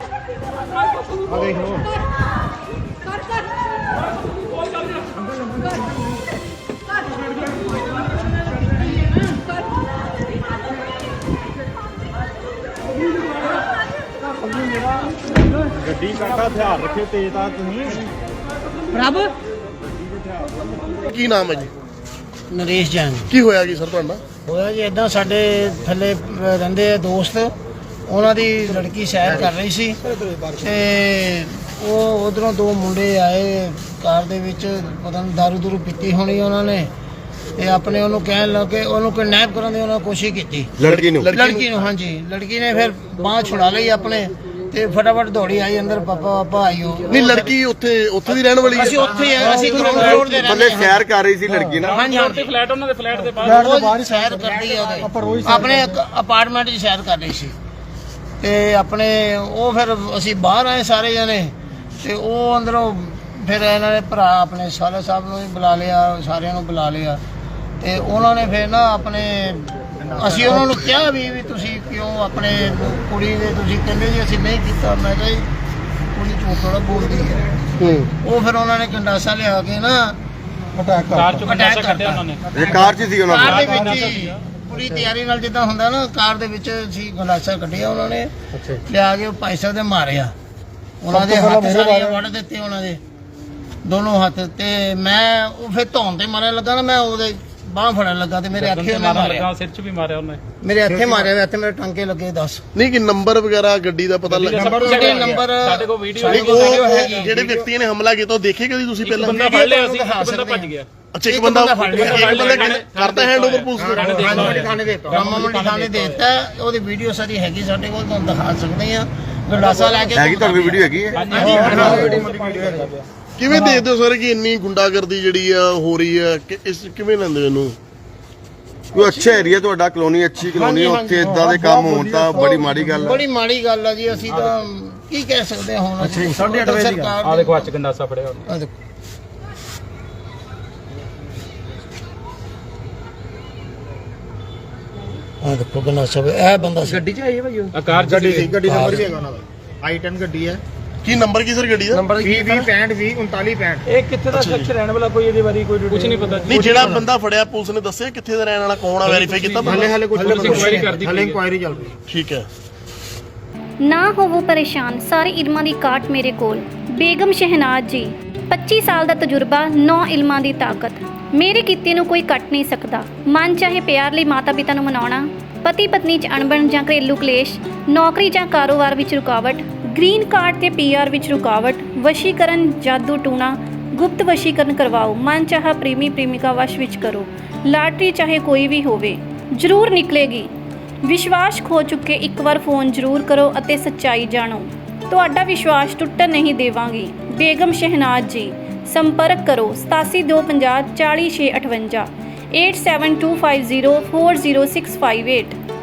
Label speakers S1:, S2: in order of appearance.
S1: ਗੱਡੀ ਕਾਕਾ ਹਥਿਆਰ ਰੱਖੇ ਤੇਜ਼ ਤਾਂ ਤੁਸੀਂ
S2: ਰੱਬ
S3: ਕੀ ਨਾਮ ਹੈ ਜੀ?
S2: ਨਰੇਸ਼ ਜੈਨ
S3: ਕੀ ਹੋਇਆ ਕੀ ਸਰ ਤੁਹਾਡਾ?
S2: ਹੋਇਆ ਜੀ ਇਦਾਂ ਸਾਡੇ ਥੱਲੇ ਰਹਿੰਦੇ ਦੋਸਤ, ਉਹਨਾਂ ਦੀ ਲੜਕੀ ਸੈਰ ਕਰ ਰਹੀ ਸੀ ਤੇ ਉਹ ਉਧਰੋਂ ਦੋ ਮੁੰਡੇ ਆਏ ਕਾਰ ਦੇ ਵਿੱਚ, ਪਤਾ ਨਹੀਂ ਦਾਰੂ ਦੂਰੂ ਪੀਤੀ ਹੋਣੀ ਉਹਨਾਂ ਨੇ, ਤੇ ਆਪਣੇ ਉਹਨੂੰ ਕਹਿਣ ਲੱਗੇ, ਉਹਨੂੰ ਕਿਡਨੈਪ ਕਰਨ ਦੀ ਉਹਨਾਂ ਕੋਸ਼ਿਸ਼ ਕੀਤੀ ਲੜਕੀ ਨੂੰ। ਹਾਂਜੀ, ਲੜਕੀ ਨੇ ਫਿਰ ਬਾਂਹ ਛੁਡਾ ਲਈ ਆਪਣੇ ਤੇ ਫਟਾਫਟ ਦੌੜੀ ਆਈ ਅੰਦਰ, ਪਾਪਾ ਆਈਓ।
S3: ਨਹੀਂ ਲੜਕੀ ਉੱਥੇ ਦੀ ਰਹਿਣ ਵਾਲੀ ਹੈ?
S2: ਅਸੀਂ ਉੱਥੇ ਆ, ਅਸੀਂ ਗਰਾਊਂਡ ਫਲੋਰ ਦੇ
S4: ਥੱਲੇ ਸੈਰ ਕਰ ਰਹੀ ਸੀ ਲੜਕੀ ਨਾ।
S2: ਹਾਂਜੀ ਹਾਂਜੀ,
S1: ਫਲੈਟ ਉਹਨਾਂ ਦੇ ਫਲੈਟ ਦੇ ਬਾਹਰ
S2: ਸੈਰ ਕਰਦੀ ਆ ਉਹਦੇ ਆਪਣੇ ਅਪਾਰਟਮੈਂਟ 'ਚ ਸੈਰ ਕਰ ਰਹੀ ਸੀ ਤੇ ਆਪਣੇ ਉਹ ਫਿਰ ਅਸੀਂ ਬਾਹਰ ਆਏ ਸਾਰੇ ਜਣੇ ਤੇ ਉਹ ਅੰਦਰੋਂ ਫਿਰ ਇਹਨਾਂ ਨੇ ਭਰਾ ਆਪਣੇ ਸਾਲੇ ਸਾਹਿਬ ਨੂੰ ਵੀ ਬੁਲਾ ਲਿਆ, ਸਾਰਿਆਂ ਨੂੰ ਬੁਲਾ ਲਿਆ ਤੇ ਉਹਨਾਂ ਨੇ ਫਿਰ ਨਾ ਆਪਣੇ ਅਸੀਂ ਉਹਨਾਂ ਨੂੰ ਕਿਹਾ ਵੀ ਤੁਸੀਂ ਕਿਉਂ ਆਪਣੇ ਕੁੜੀ ਦੇ, ਤੁਸੀਂ ਕਹਿੰਦੇ ਜੀ ਅਸੀਂ ਨਹੀਂ ਕੀਤਾ। ਮੈਂ ਕਿਹਾ ਜੀ ਕੁੜੀ ਝੂਠ ਥੋੜਾ ਬੋਲਦੀ ਹੈ। ਉਹ ਫਿਰ ਉਹਨਾਂ ਨੇ ਗੰਡਾਸਾ ਲਿਆ ਕੇ ਨਾ
S1: ਕਾਰ ਚੋਂ ਗੰਡਾਸਾ ਕੱਢਿਆ ਉਹਨਾਂ ਨੇ।
S4: ਇਹ ਕਾਰ 'ਚ ਸੀ ਉਹਨਾਂ
S2: ਕਾਰ ਦੇ
S4: ਦੇ।
S2: ਵਿੱਚ ਹੀ ਪੂਰੀ ਤਿਆਰੀ ਨਾਲ ਜਿੱਦਾਂ ਹੁੰਦਾ ਨਾ, ਕਾਰ ਦੇ ਵਿੱਚ ਸੀ ਗੰਡਾਸਾ ਕੱਢਿਆ ਉਹਨਾਂ ਨੇ, ਲਿਆ ਕੇ ਭਾਈ ਸਾਹਿਬ ਦੇ ਮਾਰਿਆ, ਉਹਨਾਂ ਦੇ ਹੱਥ ਸਾਰੇ ਵੱਢ ਦਿੱਤੇ, ਉਹਨਾਂ ਦੇ ਦੋਨੋਂ ਹੱਥ। ਤੇ ਮੈਂ ਉਹ ਫਿਰ ਧੌਣ ਤੇ ਮਾਰਨ ਲੱਗਾ ਨਾ, ਮੈਂ ਉਹਦੇ ਬਾਂਹ ਫੜਨ ਲੱਗਾ ਤੇ ਮੇਰੇ ਅੱਖੇ ਉਹਨੇ ਮਾਰਿਆ,
S1: ਸਿਰ 'ਚ ਵੀ ਮਾਰਿਆ ਉਹਨੇ,
S2: ਮੇਰੇ ਹੱਥੇ ਮਾਰਿਆ, ਇੱਥੇ ਮੇਰੇ ਟਾਂਕੇ ਲੱਗੇ 10।
S3: ਨਹੀਂ ਕਿ ਨੰਬਰ ਵਗੈਰਾ ਗੱਡੀ ਦਾ ਪਤਾ ਲੱਗਾ?
S2: ਨੰਬਰ
S1: ਸਾਡੇ ਕੋਲ ਵੀਡੀਓ
S3: ਹੈਗੀ। ਜਿਹੜੇ ਵਿਅਕਤੀ ਨੇ ਹਮਲਾ ਕੀਤਾ ਉਹ ਦੇਖੇ ਕਦੀ ਤੁਸੀਂ ਪਹਿਲਾਂ?
S1: ਬੰਦਾ ਫੜ ਲਿਆ ਸੀ, ਬੰਦਾ ਭੱਜ ਗਿਆ।
S3: ਅੱਛਾ, ਇੱਕ ਬੰਦਾ ਕਰਤਾ ਹੈਂਡ ਓਵਰ ਪੁਲਿਸ ਨੂੰ?
S2: ਰਾਮਾ ਮੰਡੀ ਥਾਣੇ ਦੇ ਦਿੱਤਾ, ਉਹਦੀ ਵੀਡੀਓ ਸਾਰੀ ਹੈਗੀ ਸਾਡੇ ਕੋਲ, ਤੁਹਾਨੂੰ ਦਿਖਾ ਸਕਦੇ ਆ। ਗੰਡਾਸਾ ਲੈ ਕੇ
S4: ਹੈਗੀ ਤੁਹਾਡੀ ਵੀਡੀਓ ਹੈਗੀ ਹੈ?
S3: ਕਿਵੇਂ ਦੇਖਦੇ ਹੋ ਸਰ ਕਿ ਇੰਨੀ ਗੁੰਡਾਗਰਦੀ ਜਿਹੜੀ ਆ ਹੋ ਰਹੀ ਹੈ, ਕਿਵੇਂ ਲੈਂਦੇ ਹੋ ਇਹਨੂੰ?
S4: ਕੋਈ ਅੱਛਾ ਏਰੀਆ ਤੁਹਾਡਾ, ਕਲੋਨੀ ਅੱਛੀ ਕਲੋਨੀ, ਉੱਥੇ ਇਦਾਂ ਦੇ ਕੰਮ ਹੋਣ ਤਾਂ ਬੜੀ ਮਾੜੀ ਗੱਲ ਹੈ।
S2: ਬੜੀ ਮਾੜੀ ਗੱਲ ਆ ਜੀ, ਅਸੀਂ ਤਾਂ ਕੀ ਕਹਿ ਸਕਦੇ ਹਾਂ ਹੁਣ। 8:30 ਵਜੇ ਦੀ
S1: ਆ ਦੇਖੋ ਅੱਜ ਗੰਡਾਸਾ ਫੜਿਆ।
S2: ਆ ਦੇਖੋ ਗੰਡਾਸਾ, ਇਹ ਬੰਦਾ ਸੀ
S5: ਗੱਡੀ 'ਚ ਆਈ ਹੈ ਭਾਈ ਉਹ?
S1: ਆ ਕਾਰ
S5: ਗੱਡੀ ਨੰਬਰ ਵੀ ਹੈਗਾ ਉਹਨਾਂ ਦਾ, i10 ਗੱਡੀ ਹੈ।
S3: ਕੀ ਨੰਬਰ ਕੀ ਸਰ ਗੱਡੀ ਦਾ?
S5: ਨੰਬਰ 20-20-65-20-39-65।
S1: ਇਹ ਕਿੱਥੇ ਦਾ ਸ਼ਖਸ ਰਹਿਣ ਵਾਲਾ, ਕੋਈ ਇਹਦੇ ਬਾਰੇ ਕੋਈ ਕੁਝ ਨਹੀਂ ਪਤਾ।
S3: ਨਹੀਂ, ਜਿਹੜਾ ਬੰਦਾ ਫੜਿਆ ਪੁਲਿਸ ਨੇ ਦੱਸਿਆ ਕਿੱਥੇ ਦਾ ਰਹਿਣ ਵਾਲਾ, ਕੌਣ ਆ, ਵੈਰੀਫਾਈ ਕੀਤਾ?
S5: ਹਲੇ ਕੁਝ
S1: ਇਨਕੁਆਇਰੀ ਕਰਦੀ
S5: ਹਲੇ ਇਨਕੁਆਇਰੀ ਚੱਲ ਰਹੀ।
S3: ਠੀਕ ਹੈ।
S6: ਨਾ ਹੋਵੋ ਪਰੇਸ਼ਾਨ, ਸਾਰੇ ਇਲਮਾਂ ਦੀ ਕਾਟ ਮੇਰੇ ਕੋਲ। ਬੇਗਮ ਸ਼ਹਿਨਾਜ਼ ਜੀ, 25 ਸਾਲ ਦਾ ਤਜਰਬਾ, 9 ਇਲਮਾਂ ਦੀ ਤਾਕਤ। ਮੇਰੇ ਕੀਤੇ ਨੂੰ ਕੋਈ ਕੱਟ ਨਹੀਂ ਸਕਦਾ। ਮਨ ਚਾਹੇ ਪਿਆਰ ਲਈ ਮਾਤਾ ਪਿਤਾ ਨੂੰ ਮਨਾਉਣਾ, ਪਤੀ ਪਤਨੀ 'ਚ ਅਣਬਣ ਜਾਂ ਘਰੇਲੂ ਕਲੇਸ਼, ਨੌਕਰੀ ਜਾਂ ਕਾਰੋਬਾਰ ਵਿੱਚ ਰੁਕਾਵਟ, ਗ੍ਰੀਨ ਕਾਰਡ ਤੇ PR ਵਿੱਚ ਰੁਕਾਵਟ, ਵਸ਼ੀਕਰਨ, ਜਾਦੂ ਟੂਣਾ, ਗੁਪਤ ਵਸ਼ੀਕਰਨ ਕਰਵਾਓ, ਮਨ ਚਾਹਾ ਪ੍ਰੇਮੀ ਪ੍ਰੇਮਿਕਾ ਵਸ਼ ਵਿੱਚ ਕਰੋ, ਲਾਟਰੀ ਚਾਹੇ ਕੋਈ ਵੀ ਹੋਵੇ ਜ਼ਰੂਰ ਨਿਕਲੇਗੀ। ਵਿਸ਼ਵਾਸ ਖੋ ਚੁੱਕੇ ਇੱਕ ਵਾਰ ਫੋਨ ਜ਼ਰੂਰ ਕਰੋ ਅਤੇ ਸੱਚਾਈ ਜਾਣੋ। ਤੁਹਾਡਾ ਵਿਸ਼ਵਾਸ ਟੁੱਟਣ ਨਹੀਂ ਦੇਵਾਂਗੀ। ਬੇਗਮ ਸ਼ਹਿਨਾਜ਼ ਜੀ, ਸੰਪਰਕ ਕਰੋ 8725040658 8725040658।